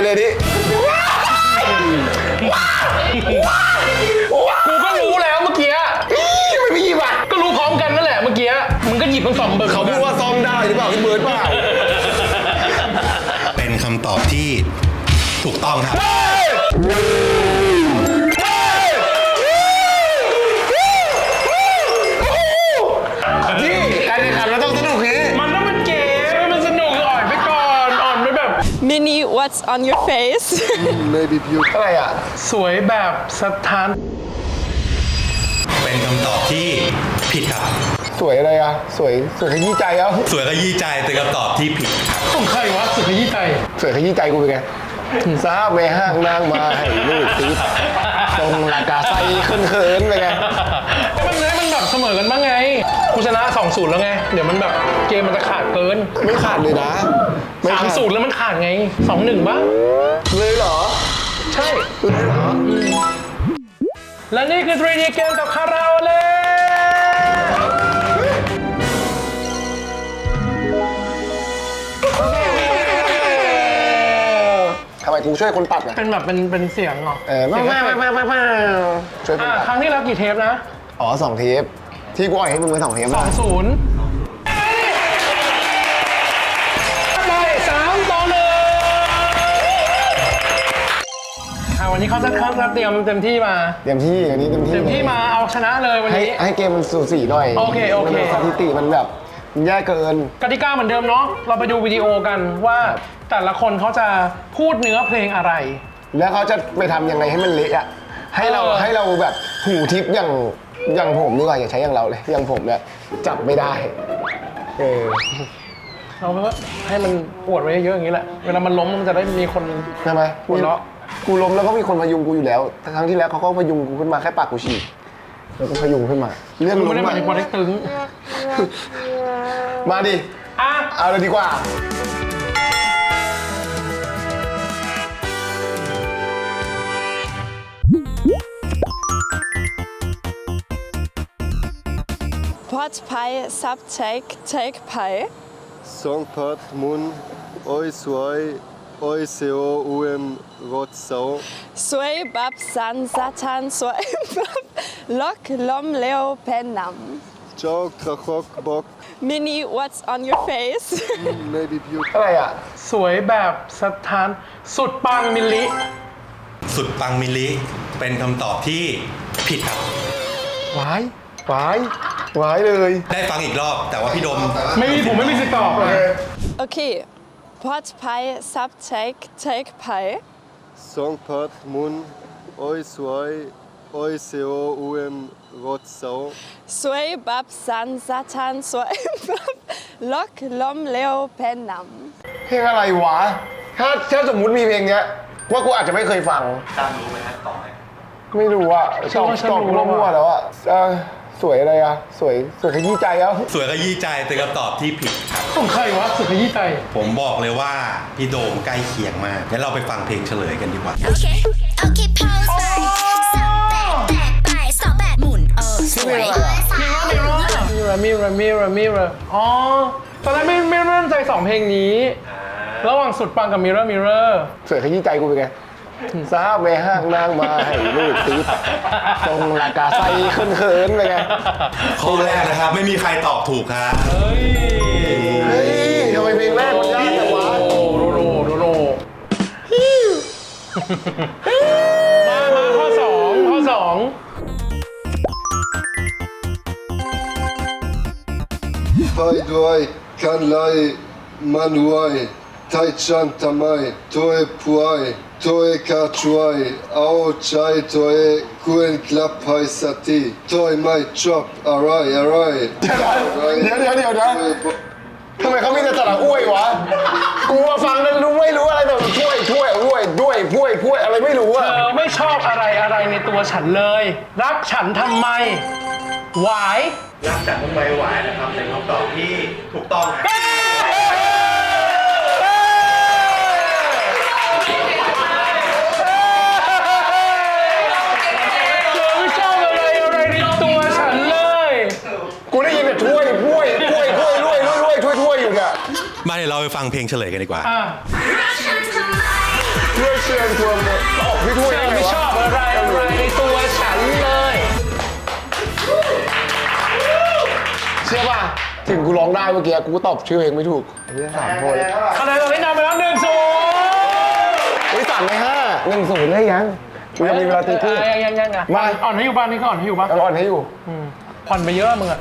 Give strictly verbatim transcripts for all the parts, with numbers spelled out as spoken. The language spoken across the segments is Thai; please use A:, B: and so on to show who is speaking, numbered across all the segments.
A: เลยดิ
B: กูก็รู้แล้วเมื่อกี้
A: ไม่มีหยิบอ่ะ
B: ก็รู้พร้อมกันนั่นแหละเมื่อกี้มึงก็หยิบทั้งสองเบอร์
A: เขาพูดว่าซ่อมได้หรือเปล่าพี่เบิร์ดเปล่า
C: เป็นคำตอบที่ถูกต้องครับ
A: นี่การแข่งขันเราต้องสนุกนี้
B: มันต้องเป็นเกมมันสนุกอ่อนไปก่อนอ่อนไปแบบ
D: Mini what's on your face
A: maybe beauty อะไรอ่ะ
B: สวยแบบสถาน
C: เป็นคำตอบที่ผิดครับ
A: สวยอะไรอ่ะสวยสวยขยี้ใจเอ้า
C: สวยขยี้ใจเป็นคำตอบที่ผิดครับ
B: ของใครวะสุดขยี้ใจ
A: สวยขยี้ใจกูเป็นไงทราบแม่ห้างนางมาให้ลูกติดตรงลากาไซขึ้นเขินไปไง
B: มันเลยมันแบบเสมอกันบ้างไงกูชนะสองศูนย์แล้วไงเดี๋ยวมันแบบเกมมันจะขาดเกิน
A: ไม่ขาดเลยนะ
B: สามศูนย์แล้วมันขาดไงสองหนึ่งบ้าง
A: เลยเหรอ
B: ใช่
A: เลยเหรอ
B: และนี่คือ ทรี ดี เกมกับคาราโอเล่
A: ทำไมกูช่วยคนตัดอ่ะ
B: เป็นแบบเป็นเป็นเสียงเหรอ
A: เออมามามามามาช่วยคนตัด
B: ครั้งที่แล้วกี่เทปนะ
A: อ๋อสองเทปที่กูอ่อยให้มึงไปสองเทป
B: สองศูนย์ได้สามต่อหนึ่งอ่ะวันนี้เขาจะเขาจะเตรียมเต็มที่มา
A: เต็มที่วันนี้เต็มที่
B: เต็มที่มาเอาชนะเลยวันนี้
A: ให้เกมมันสูสีหน่อย
B: โอเคโอเค
A: สถิติมันแบบมันแย่เกิน
B: กติกาเหมือนเดิมเนาะเราไปดูวิดีโอกันว่าแต่ละคนเขาจะพูดเนื้อเพลงอะไร
A: แล้วเขาจะไปทำยังไงให้มันเละอ่ะให้เราให้เราแบบหูทิพย์อย่างอย่างผมดีกว่าอย่าใช้อย่างเราเลยอย่างผมเนี่ยจับไม่ได้เออ
B: เราก็ให้มันปวดไว้เยอะอย่างนี้แหละเวลามันล้มมันจะได้มีคน
A: ใช่ไหม
B: หัวเราะ
A: กูล้มแล้วก็มีคนพยุงกูอยู่แล้วครั้งที่แล้วเขาก็พยุงกูขึ้นมาแค่ปากกูฉีกแล้วก็พยุงขึ้นมาเรื่องล้ม
B: ไม่ได้มาถึงบอลเล็กตึง
A: มาดิ
B: อ่ะ
A: เอาเลยดีกว่า
D: Pot pie subject take pie
E: Song pot mun oi suai oi seo um rot sau
D: Sui bab san satan sui bab lok lom leo penam
E: Chok trachok bok
D: Mini what's on your face
E: maybe beauty
A: อะไรอ่ะ
B: สวยแบบสถานสุดปังมิลลิ
C: สุดปังมิลลิเป็นคำตอบที่ผิดครับ
A: วายวายวายเลย
C: ได้ฟังอีกรอบแต่ว่าพี่ดม
B: ไม่มีผมไม่มีสิทธิ์ตอบ
D: โอเค Pot pie subject take pie
E: Song pot mun oi suai oi seo um rot sau
D: Sui bab san satan sui bab lok lom leo penam
A: เพลงอะไรวะถ้าถ้าสมมุติมีเพลงเนี้ยว่ากูอาจจะไม่เคยฟัง
C: ตามรู้ไหมฮะต่อไหม
A: ไม่รู้อ่ะตอบตอบมั่วๆแล้วอ่ะสวยอะไรอ่ะสวยสวยขยี้ใจเอ้า
C: สวยขยี้ใจเป็นคำตอบที่ผิดครับ
B: ของใครวะสุดขยี้ใจ
C: ผมบอกเลยว่าพี่โดมใกล้เคียงมากงั้นเราไปฟังเพลงเฉลยกันดีกว่า
F: โอเคโอเคพาวไปสับแตกแตกไปสองแบบหมุนเออสวย
B: มิระมิระมิระมิระอ๋อตอนแรกไม่ไม่มั่นใจสองเพลงนี้ระหว่างสุดปังกับมิระมิระ
A: สวยขยี้ใจกูเป็นไงทราบแม่ห้างนางมาให้ลูกติดตรงลากาไซขึ้นเขินไปไง
C: ข้อแรกนะครับไม่มีใครตอบถูกครับ
B: เฮ้ย
A: เฮ้ยทำไมเพลงแรกมันยากจังวะ
B: โรโรโรโรมามาข้อสองข้อสอง
E: ไฟด้วยกันไลมันไวไทชันทำไมตัวเอป่วยตัวเอกาช่วยเอาใจตัวเอกกูเอ็นกลับไปสักทีตัวไม่ชอบอะไรอะไร
A: เดี๋ยวเดี๋ยวเดี๋ยวนะทำไมเขามีแต่สระอ้วยวะกูฟังแล้วรู้ไม่รู้อะไรแต่ช่วยช่วยอ้วยด้วยพ้วยพ้วยอะไรไม่รู้อะ
B: เธอไม่ชอบอะไรอะไรในตัวฉันเลยรักฉันทำไมหวาย
C: รักฉันทำไมหวายนะครับเป็นคำตอบที่ถูกต้องครับ
A: กูได้ยินแต่ถ้วยถ้วยถ้วยถ้วยถ้วยถ้วยถ้วยถ้วยอยู่เนี่ย
C: มาเดี๋ยวเราไปฟังเพลงเฉลยกันดีกว่า
F: รักฉันทำไม
A: ชิญชวนเลยออกพี่ถ้วย
B: เธ
A: ได้
B: อ
A: ไง
B: ไม่ช
A: วะ
B: อบอะไรอะไรในตัวฉันเลย
A: เชื่อป่ะถึงกูร้องได้เมื่อกี้กูก็ตอบชื่อเพลงไม่ถูกไอ้เนี่ยสามคน
B: คะแนนตอนนี้นำไปแล้วหนึ่งศูนย์
A: เฮ้ยสามในห้าหนึ่งศูนย์ได้ยังกูยังมีเวลาตีคู่
B: ยังยังยังอ่ะ
A: มา
B: อ่อนให้อยู่บ้านนี่ก็อ่อนให้อยู่บ้าน
A: ตลอดให้อยู่
B: ผ่อนไปเยอะมึงอ่ะ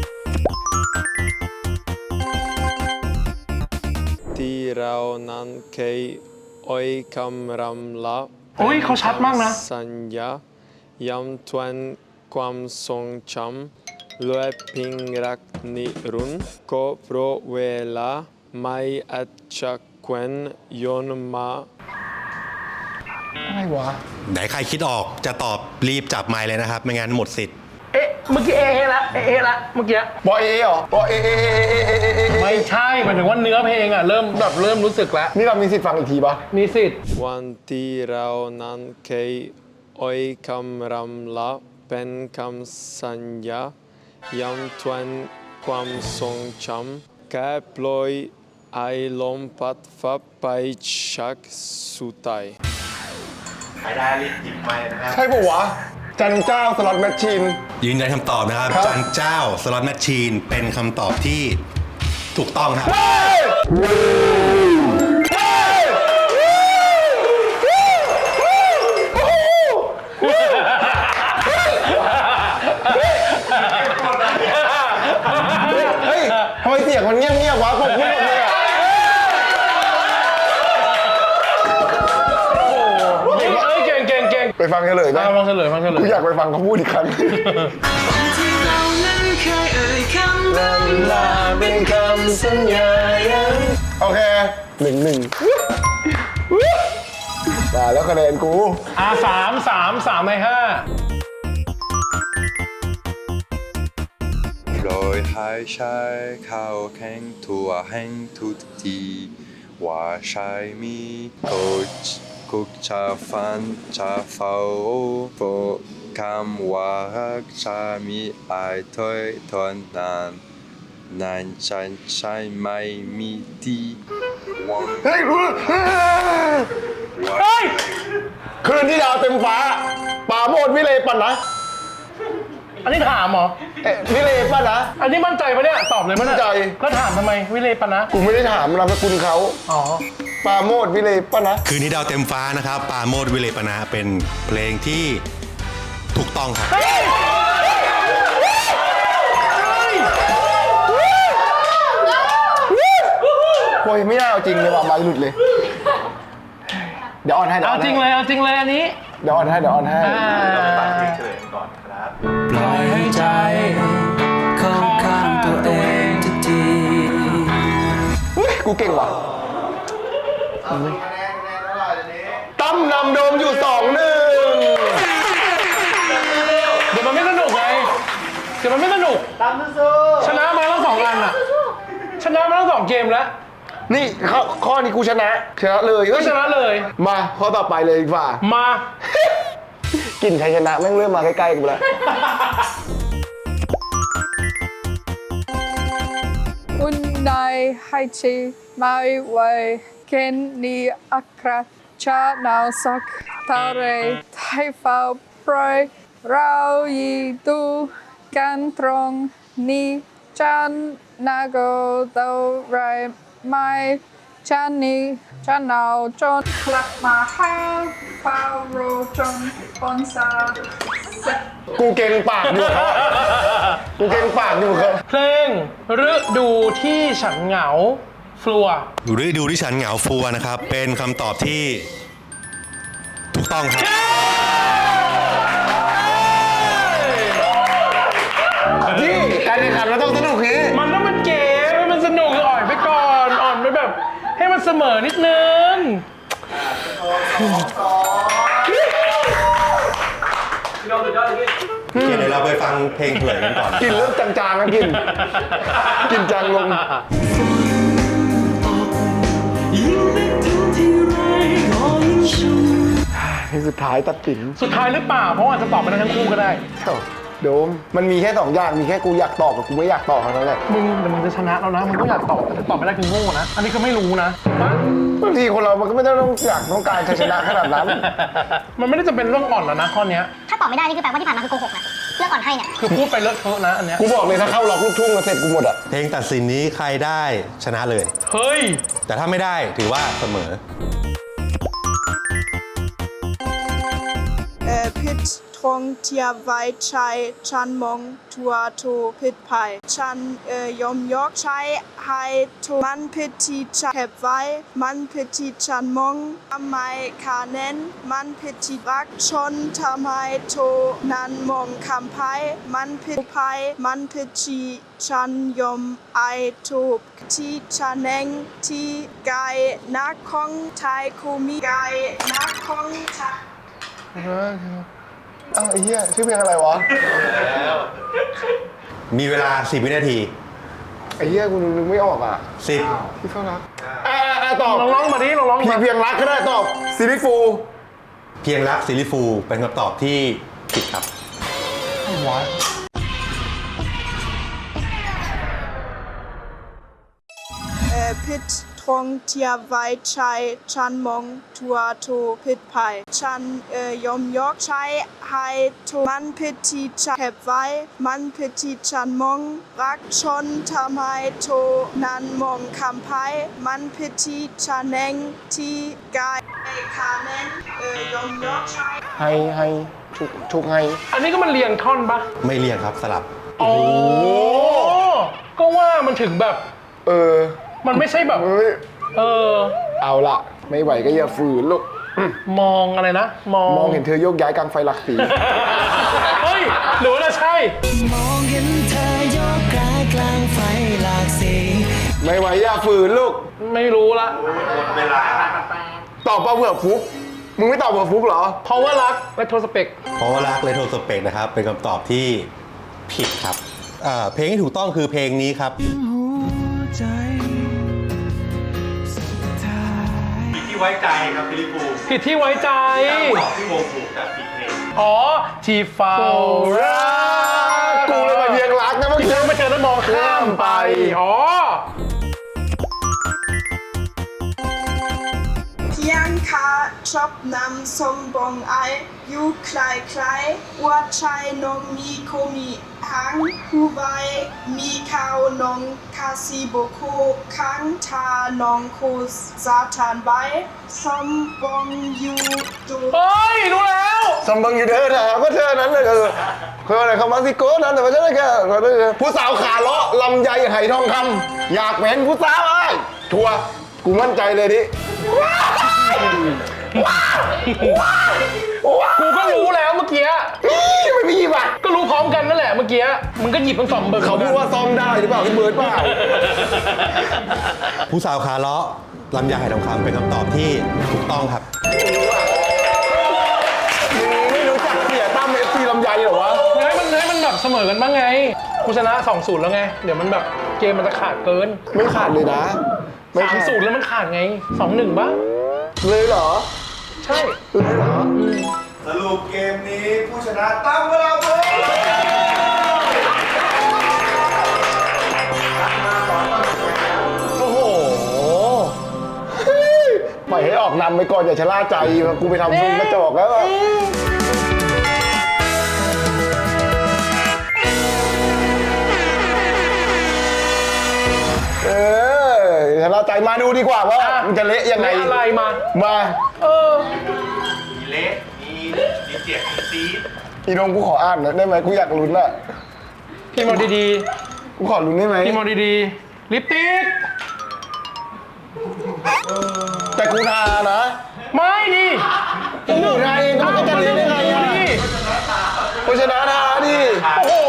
G: ที่เรานั้นเคยอ้อยคำรำลา
B: อุ้ยเขาชัดมากนะ
G: สัญญาย้ำทวนความทรงจำและพิงรักนิรันดร์ก็เพราะเวลาไม่อาจจะเคลื่อนย้อนมา
A: อะไรวะ
C: ไหนใครคิดออกจะตอบรีบจับไมค์เลยนะครับ ไม่งั้นหมดสิทธิ์
B: เอ๊ะเมื่อกี้เอเอละเอเอละเมื่อกี้
A: บอเอเหรอบอเอเอเอเอเอเอเอ
B: ไม่ใช่หมายถึงว่าเนื้อเพลงอ่ะเริ่มแบบเริ่มรู้สึกแล้ว
A: นี่เรามีสิทธิ์ฟังอีกทีปะ
B: มีสิทธิ์
G: วันที่เรานั้นเคยอ้อยคำรำลาเป็นคำสัญญาย้ำทวนความทรงจำแค่ปล่อยไอลมพัดฟ้าไปชักสุดท้าย
A: ใช่ปะวะจันเจ้าสล็อตแมชชีน
C: ยืนยันคำตอบนะครับ
A: ครับ
C: จันเจ้าสล็อตแมชชีนเป็นคำตอบที่ถูกต้องครับ
A: เฮ้ยทำไมเสียงมันเงียบๆวะผมพูดเลยอะ
B: เอ้ยเก่งเก่งเก่ง
A: ไปฟังเฉลยไหม
B: อ่ะฟังเฉลยฟังเฉลย
A: กูอยากไปฟังเขาพูดอีกครั้งลาเป็นคำสัญญาโอเคหนึ่งหนึ่งมาแล้วคะแนนกู
B: อ่ะสามสามสามในห้า
G: โปรยให้ใช้เข้าแข่งทั่วแห่งทุกทีว่าใช่มีกุกกุกจะฟันจะเฝ้าโปรคำว่ารักจะมีไอถอยทนนานนานฉันใช่ไม่มีที่หวัง
A: เฮ้ยรู้
B: เฮ้ย
A: คืนที่ดาวเต็มฟ้าป่าโมดวิเลปันนะ
B: อันนี้ถามเหรอ
A: เอ๊ะวิเลปันนะ
B: อันนี้มั่นใจปะเนี่ยตอบเลยมั้ย
A: มั่นใจ
B: แล้วถามทำไมวิเลปะนะ
A: กูไม่ได้ถามนามสกุลเขา
B: อ๋อ
A: ป่าโมดวิเลปันนะ
C: คืนนี้ดาวเต็มฟ้านะครับปาโมดวิเลปนาเป็นเพลงที่ถูกต้องครับ
A: โอ้ยไม่น่าเอาจริงเลยว่ะไม้หลุดเลย เดี๋ยวออนให้เดี๋ยว
B: เอา
A: ออน
B: จริง
A: ให้
B: เลยเอาจริงเลยอันนี้
A: เดี๋ยวออนให้เดี๋ยวออนให้
B: อ่า
H: ปล่อยให้ใจเข้าข้างตัวเองทุกที
A: อุ๊ยกูเก่งว่ะตั้มนำโดมอยู่สองหนึ่ง
B: เดี๋ยวมันไม่สนุกไงเดี๋ยวมันไม่สนุกชนะมาทั้งสองอันอะชนะมาทั้งสองเกมแล้ว
A: นี่ข้อข้อนี้กูชนะชนะเลยเอ้
B: ก็
A: ย
B: ชนะเลย
A: มาข้อต่อไปเลยดีกว่า
B: มา
A: กลิ่นชัยชนะแม่งเริ่มมาใกล้ๆกูแล้ว
I: อุ่นในให้ชีไม่ไหวเคนนี้อัครชาหนาวสักทะเลไทยเฝ้าปล่อยเรายีดูกันตรงนี้ฉันนาโกเท่าไรไม่ฉันนี้ฉันหนาวจนกลับมาหาเฝ้าโรจนปนสาเสร็จ
A: กูเก่งปากอยู่เขาอะกูเก่งปากอยู่เขา
B: เพลงฤดูที่ฉันเหงาฟลัว
C: ฤดูที่ฉันเหงาฟัวนะครับ เป็นคำตอบที่ถูกต้องครับ
A: ที่การแข่งขันเราต้องสนุกนี้
B: มันต้องเป็นเกมให้มันสนุกอ่อนไปก่อนอ่อนไปแบบ ให้มันเสมอนิดนึง
C: โอเคเดี๋ยวเราไปฟังเพลงเฉลยกันก่อน
A: กินเริ่มจางๆนะกิน กินจางลงเพลงสุดท้ายตัดสิน
B: สุดท้ายหรือเปล่า เพราะว่าอาจจะตอบไปได้ทั้งคู่ก็ได้
A: เอ้าโดมมันมีแค่สองอย่างมีแค่กูอยากตอบกับกูไม่อยากตอบเท่านั้นแหละ
B: มึงเดี๋ยวมึงจะชนะแล้วนะมึงก็อยากตอบแต่ตอบไม่ได้คือโง่นะอันนี้ก็ไม่รู้นะ
A: บางทีคนเรามันก็ไม่ได้ต้องอยากต้องการชัยชนะขนาดนั้น
B: มันไม่ได้จะเป็นเรื่องอ่อนแล้วนะข้อเนี้ย
F: ถ้าตอบไม่ได้นี่คือแปลว่าที่ผ่านมาคือโกหกนะเลือกก่อนให้เนี่ย
B: คือพูดไปเลอะเทอะนะอันเนี้ย
A: กูบอกเลยถ้าเข้าล็อกลูกทุ่งมาเสร็จกูหมดอ่ะ
C: เพลงตัดสินนี้ใครได้ชนะเลย
B: เฮ้ย
C: แต่ถ้าไม่ได้ถือว่าเสมอ
D: เอ่อพิษทงเทียไว้ใช้ชันมองทัวโทพิษภัยชันเอ่อยอมยกใช้ให้ทุมันพิธีชันเก็บไว้มันพิธีชันมองทำไมขาเน้นมันพิธีรักชนทำไมโทนันมองคำไพ่มันพิธีภัยมันพิธีชันยอมไอทูบที่ชันเองที่กายนักของไทยคูมีกายนักของไทย
A: อ้าวไอ้เหี้ยชื่อเพลงอะไรวะ
C: มีเวลาสิบวินาที
A: ไอ้เหี้ยกูนึกไม่ออกอ่ะ
C: สิบ
A: พี่เฝ้ารักอ่าอ่าตอบ
B: ลองร้องมาดิลองร้อง
A: พี่
B: มา
A: เพียงรักก็ได้ตอบซิลิฟู
C: เพียงรักซิลิฟูเป็นคำตอบที่ผิดครับ
B: วะ
D: เอ่อพิษทงเทียไว้ใช้ชันมองทัวโทพิษภัยชันเอ่อยอมยกใช้ให้ทุมันพิธีชันเก็บไว้มันพิธีชันมองรักชนทำไมโทนันมองคำไพ่มันพิธีชันเองที่กายขาเน้นเอ่อยอมยกใช้
A: ให้ให้ทุกทุกให้
B: อันนี้ก็มันเรียงท่อนปะ
C: ไม่เรียงครับสลับ
B: โอ้ก็ว่ามันถึงแบบ
A: เออ
B: มันไม่ใช่แบบ
A: เฮ้ย
B: เออ
A: เอาละไม่ไหวก็อย่าฝืนลูก
B: มองอะไรนะ มอง
A: มองเห็นเธอโยกย้ายกลางไฟหลักสี
B: เฮ้ย หรือว่าจะใช่
H: มองเห็นเธอโยกกายกลางไฟหลากสี
A: ไม่ไหวอย่าฝืนลูก
B: ไม่รู้ละ
A: ตอบเปล่าเผื่อฟุกมึงไม่ตอบเผื่อฟุกเหรอ
B: เพราะว่ารักและโทรสเปก
C: เพราะว่ารักเลโทสเปกนะครับ เป็นคำตอบที่ผิดครับอ่าเพลงที่ถูกต้องคือเพลงนี้ครับ
H: หัวใจสุดท้าย
C: ที่ไว้ใจครับฟิลิปู
B: ผิดที่ไว้ใจ
C: ตอบที่วงถูกแต่ผิดเพลง
B: อ๋อ ที่เฝ้ารัก
A: กูเลยมาเพียงรักนะเมื่อ
B: ที่
A: กี้
B: เธอไม่เจอแล้วมองข้ามไป อ๋อ
D: เพียงคาชอบนำสมบงไออยู่คลายคลายว่าชายนงมีโคมีหางหูใบมีขาวนงคาซิโบโคค้างทานองโคซาทานใบสมบงอยู่ดู
B: เฮ้ย รู้แล้ว
A: สมบังอยู่เธอถามก็เธอนั้นเลยเออคืออะไรคำว่าซิโก้นั้นแต่ไม่ใช่แค่ผู้สาวขาเลาะลำไยไหทองคำอยากเป็นผู้สาวไอ้ทัวร์กูมั่นใจเลยดิ
B: กูก็รู้แล้วเมื่อกี้
A: นี่ไม่มีหยิบอ่ะ
B: ก็รู้พร้อมกันนั่นแหละเมื่อกี้ มึงก็หยิบทั้งสองเบอร์
A: เขาพูดว่าซ้อมได้หรือเปล่าพี่เบิร์ดเปล่า
C: ผู้สาวขาเลาะลำไยไหทองคำเป็นคำตอบที่ถูกต้องครับ
A: ไม่รู้จักเสียตั้มเอฟซีลำไยเหรอวะ
B: ให้มันให้มันแบบเสมอกันบ้างไง กูชนะสองศูนย์แล้วไง เดี๋ยวมันแบบเกมมันจะขาดเกิน
A: ไม่ขาดเลยนะไม่
B: สาม
A: ขาด
B: ศูนย์แล้วมันขาดไงสองหนึ่งบ้าง
A: เลยเหรอ
B: ใช่
A: เลยเหรอ
C: สรุปเกมนี้ผู้ชนะตั้มเวลาเพิ่ม
A: โอ้โหปล่อยให้ออกนำไปก่อนอย่าชะล่าใจกูไปทำซุนกระจอกแล้วอะเออชะล่าใจมาดูดีกว่าว่ามันจะเละยังไง
B: เละอะไรมา
A: มา
B: เออ
C: มีเละมีมีเจ็บมีซีด
A: อีนงกูขออ่านหน่อยได้ไหมกูอยากลุ้นอะ
B: พี่มอดี
A: กูขอลุ้นได้ไหม
B: ๆพี่มอดีๆลิปติก
A: แต่กูทานะ
B: ไม่ดิ
A: กูทาเองก็มันก็จะเละได้ไงอะกูชนะทาดิ
B: โอ้โห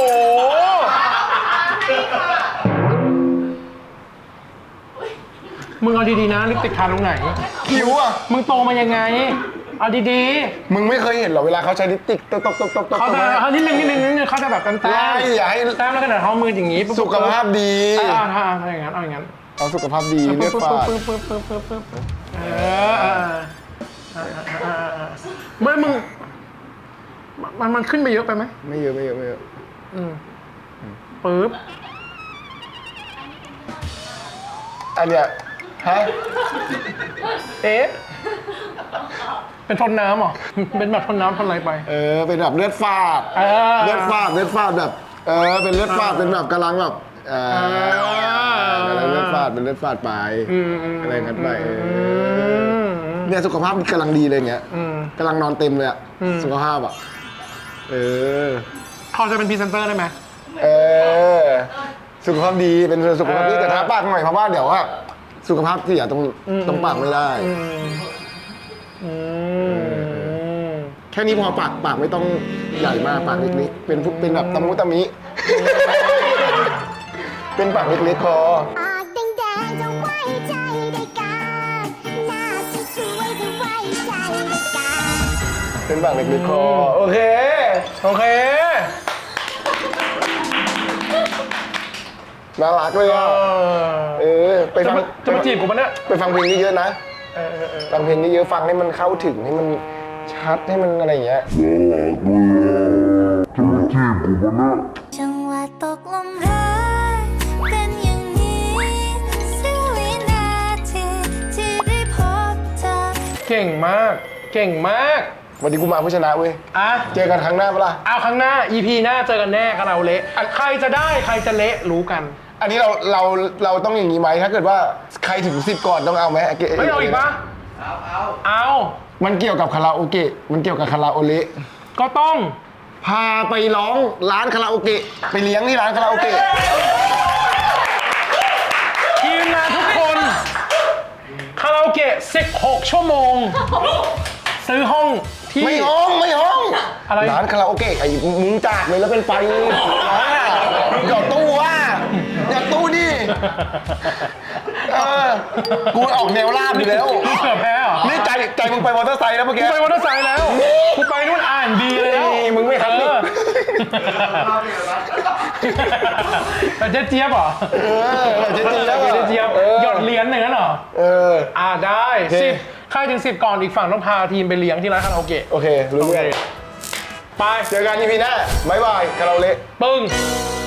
B: มึงเอาดีๆนะลิปติกทาตรงไหน
A: คิ้วอะ
B: มึงโตมายังไง เอาดี
A: มึงไม่เคยเห็นเหรอเวลาเขาใช้ลิปสติกตบตบตบตบต
B: ๆ
A: บ
B: เขาจะเขานิดนึงนิดนึงนิดนึงเขาจะแบบแต้มแต้
A: ไล่อย่าให้
B: แต้มแล้วก็เดินเขามืออย่างงี้ปุ๊บ
A: สุขภาพดี
B: อ่าถ้าเอาอย่างงั้นเอาอย่างงั้น
A: เอาสุขภาพดีเลือดฝาด
B: ปึ๊บปึ๊บปึ๊บปึ๊บปึ๊บปึ๊บเออเออเออเออเออเออไม่มึงมันมันขึ้นไปเยอะไปไหม
A: ไม่เยอะไม่เยอะไม่เยอะ
B: อืมปึ๊บ
A: อันเนี้ยฮะ
B: เอ๊ะเป็นทนน้ำเหรอเป็นแบบทนน้ำทนอะไรไป
A: เออเป็นแบบเลือดฟาด
B: เออ
A: เลือดฟาดเลือดฟาดแบบเออเป็นเลือดฟาดเป็นแบบกำลังแบบเออกำลังเลือดฟาดเป็นเลือดฟาดไปอะไรกันไปเออเนี่ยสุขภาพกำลังดีเลยเงี้ยกำลังนอนเต็มเลยอะสุขภาพอะเออ
B: เขาจะเป็นพรีเซนเตอร์ได้ไหม
A: เออสุขภาพดีเป็นสุขภาพดีแต่ทาปากหน่อยเพราะว่าเดี๋ยวว่าสุขภาพเสียตรงตรงปากไม่ได้แค่นี้พอปากปากไม่ต้องใหญ่มากปากเล็กๆเป็นเป็นแบบตะมุตะมิ เป็นปากเล็กๆพอ
F: ปากแดงๆจะไว้ใจได้กันหน้าสวยๆจะไว้ใจได้กัน
A: เป็นปากเล็กๆพอโอเค
B: โอเค
A: น่ารักเลย
B: เอ
A: อ่ะ
B: อ
A: เออไป
B: จะ
A: ฟัง
B: มาจะมาจีบกูปะเนี่ย
A: ไปฟังเพลงเยอะๆนะ
B: เออเออเออ
A: ฟังเพลงเยอะๆฟังให้มันเข้าถึงให้มันชัดให้มันอะไรอย่างเงี้ย
F: จังหวะตกลมรักเป็นอย่างนี้เสี้ยววินาทีที่ได้พบเธอ
B: เก่งมาก เก่งมาก
A: วันนี้กูมาผู้ชนะเว้ย
B: อ่ะ
A: เจอกันครั้งหน้าเปะล่า
B: เอาครั้งหน้า อี พี หน้าเจอกันแน่กับเราเละใครจะได้ใครจะเละรู้กัน
A: อันนี้เราเราเราต้องอย่างนี้ไหมถ้าเกิดว่าใครถึงสิบก่อนต้องเอาไหม
B: ไม่เอาอีกปะเอาเอาเอา
A: มันเกี่ยวกับคาราโอเกะมันเกี่ยวกับคาราโอเละ
B: ก็ต้อง
A: พาไปร้องร้านคาราโอเกะไปเลี้ยงที่ร้านคาราโอเกะ
B: ทีมงานทุกคนคาราโอเกะสิบหกชั่วโมง ซื้อห้องที่
A: ไม่ห้องไม่ห้อง
B: อะไร
A: ร้านคาราโอเกะไอ้มึงจากเลยแล้วเป็นไฟอ่าหยอดตู้ว่าหยอดตู้ดิเออกูออกแนวลาบอยู่แล้ว
B: มึงเกือบแพ้เหรอ
A: นี่ใจใจมึงไปมอเตอร์ไซค์แล้วเมื่อ
B: กู
A: กี้
B: ไปมอเตอร์ไซค์แล้วกูไปนู่นอ่านดีแล้ว
A: นี่มึงไม่ทันนี่
B: เออแต่เจ๊เจี๊ยบเหรอ
A: เออเจ๊เจี๊ยบ
B: เจ๊เจี๊ยบ
A: เออ
B: หยดเหรียญหนึ่งนั้นเหรอ
A: เออ
B: อ่าได้
A: โอเค
B: สิบใครถึงสิบก่อนอีกฝั่งต้องพาทีมไปเลี้ยงที่ร้านคาราโอเกะ
A: โอเครู้เรื่อง
B: ไป
A: เจอกันอีพีหน้าบ๊ายบายคาราโอเละ
B: ปึ้ง
A: บ